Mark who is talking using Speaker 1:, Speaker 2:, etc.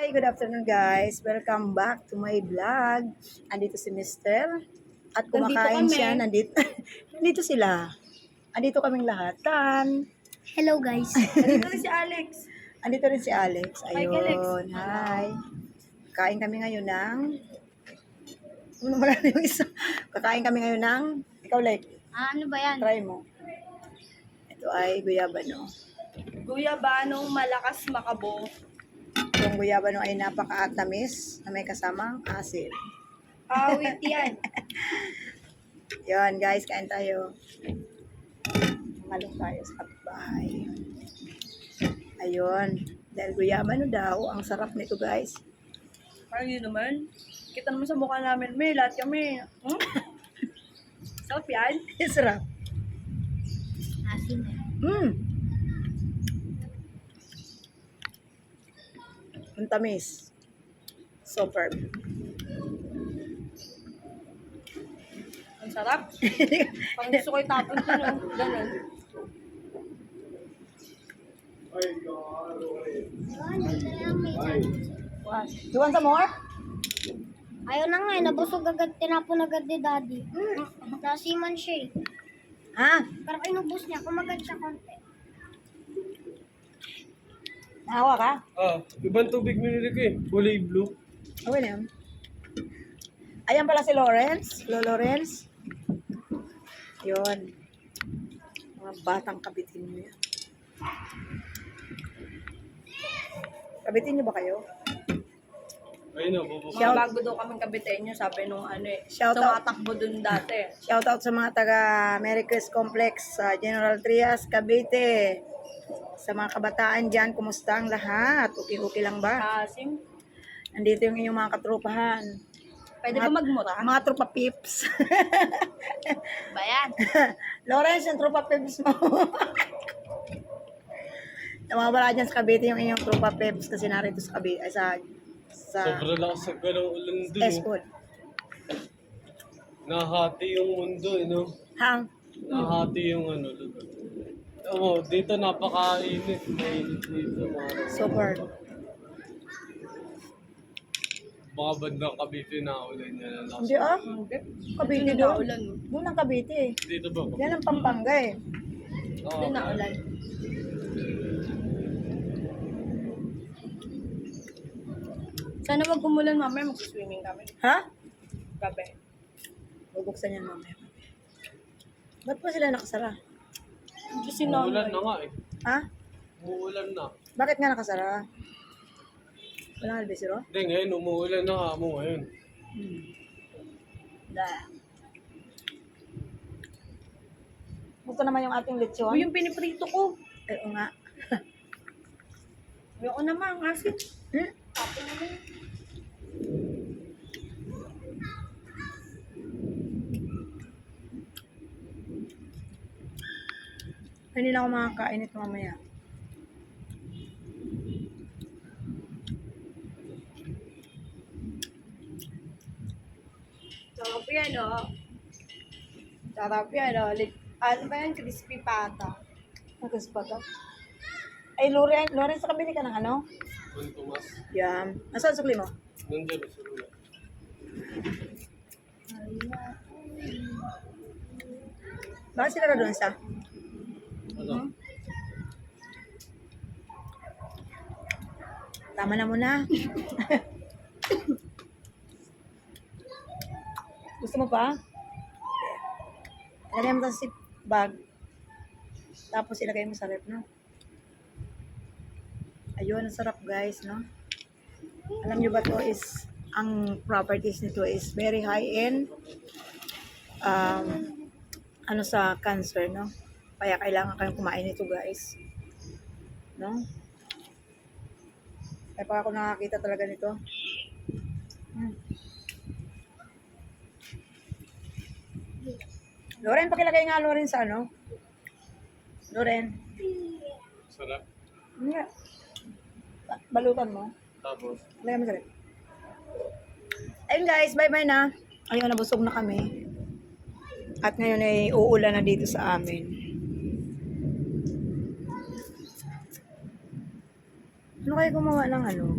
Speaker 1: Hi, good afternoon guys. Welcome back to my vlog. Andito si Mister at kumakain
Speaker 2: Nandito kami.
Speaker 1: siya. Nandito sila. Andito kaming lahatan.
Speaker 3: Hello guys.
Speaker 2: Nandito rin si Alex.
Speaker 1: Andito rin si Alex.
Speaker 2: Hi, Alex.
Speaker 1: Ayun. Hi. Kain kami ngayon ng... Ano wala na yung isa? Kakain kami ngayon ng... Ikaw, Lek.
Speaker 3: Ano ba yan?
Speaker 1: Try mo. Ito ay guyabano.
Speaker 2: Guyabanong malakas makabo.
Speaker 1: Yung guyabano ay napaka-tamis na may kasamang asin.
Speaker 2: Awit yan.
Speaker 1: Yan guys, kain tayo. Malong tayo sa kapitbahay. Ayun. Dahil guyabano daw, ang sarap nito guys.
Speaker 2: Parang yun naman. Kita naman sa mukha namin, may lahat kami. Sarap yan.
Speaker 1: Sarap.
Speaker 3: Asin eh.
Speaker 1: Ang tamis. Superb.
Speaker 2: Ang sarap. Parang gusto ko itapon ito, no? Ganun.
Speaker 1: You want some more?
Speaker 3: Ayaw na nga eh, nabusog agad, tinapon agad ni daddy. Nasiman siya eh.
Speaker 1: Ha?
Speaker 3: Pero inubos niya, kumagad siya konti.
Speaker 1: Nahawa ka?
Speaker 4: Ibang tubig minili ko eh. Kulay blue.
Speaker 1: Okay na yun. Ayan pala si Lawrence. Lawrence. Yun. Mga batang kabitin mo yan. Kabitin niyo ba kayo?
Speaker 4: Ayun na, bubuk.
Speaker 1: Shout-
Speaker 2: Mga bago daw kaming kabitenyo, sabi nung ano eh.
Speaker 1: Shout out.
Speaker 2: Tumatakbo dun dati.
Speaker 1: Shoutout sa mga taga Mericrest Complex sa General Trias, Cavite. Sa mga kabataan dyan, kumusta ang lahat? Okay lang ba?
Speaker 2: Asim.
Speaker 1: Nandito yung inyong mga katrupahan.
Speaker 2: Pwede ba magmura?
Speaker 1: Mga trupa pips.
Speaker 2: Ba yan?
Speaker 1: Lawrence, yung trupa pips mo. Nawawala dyan sa Cavite yung inyong trupa pips kasi narito sa Cavite, ay sa
Speaker 4: Sobrang lakas sa ganong ulan dun.
Speaker 1: S-Food.
Speaker 4: Nahati yung mundo, eh, no?
Speaker 1: Hang.
Speaker 4: Nahati yung ano, lugar. Oo, dito napakainit. Mainit dito, mga
Speaker 1: Super.
Speaker 4: mga bandang Cavite na ulan niya na last.
Speaker 1: Hindi ah.
Speaker 2: Hindi.
Speaker 1: Cavite
Speaker 2: Hindi
Speaker 1: doon.
Speaker 2: naulan.
Speaker 1: Doon ang Cavite eh.
Speaker 4: Dito ba?
Speaker 1: Yan ang Pampanga eh.
Speaker 4: Oo.
Speaker 2: Hindi naulan. Sana wag umulan mamaya, mag-swimming kami.
Speaker 1: Ha?
Speaker 2: Gabi.
Speaker 1: Bubuksan yan mamaya. Ba't pa sila nakasara?
Speaker 2: Kasi
Speaker 4: Umuulan na
Speaker 2: na.
Speaker 4: nga eh.
Speaker 1: Ha?
Speaker 4: Umuulan na.
Speaker 1: Bakit nga nakasara? Walang albisero?
Speaker 4: Hindi, ngayon umuulan na nga mo ngayon.
Speaker 1: Da. Ito naman yung ating lechon.
Speaker 2: Uy, yung piniprito ko.
Speaker 1: Ay, oo nga.
Speaker 2: Ayoko naman, ang asin.
Speaker 1: Hmm?
Speaker 2: Tapos naman.
Speaker 1: Hindi na ako makakain ito mamaya.
Speaker 2: Sarap yan, oh. Sarap yan, oh. Ano ba yan? Crispy pata.
Speaker 1: Nagas pa to. Ay, Lawrence, sa kabili ka ng ano?
Speaker 4: Kung tumas,
Speaker 1: Yan. Nasaan sukli mo?
Speaker 4: nandiyan sa rula.
Speaker 1: Bakit sila na doon sa?
Speaker 4: Ano?
Speaker 1: Tama na muna. Gusto mo pa? Lagay mo sa zip bag. Tapos ilagay mo sa rep, no? Ayun, ang sarap guys, no? Alam nyo ba to is, ang properties nito is very high in ano sa cancer, no? Kaya kailangan kayong kumain nito guys. No? Kaya pa ako nakakita talaga nito. Loren, pakilagay nga Loren sa ano? Loren.
Speaker 4: Sarap.
Speaker 1: Nga. Balutan mo.
Speaker 4: Tapos,
Speaker 1: Lagyan mo sa rep. Ayun guys, bye-bye na. Ayun, nabusog na kami. At ngayon ay uulan na dito sa amin. Ano kayo gumawa ng ano?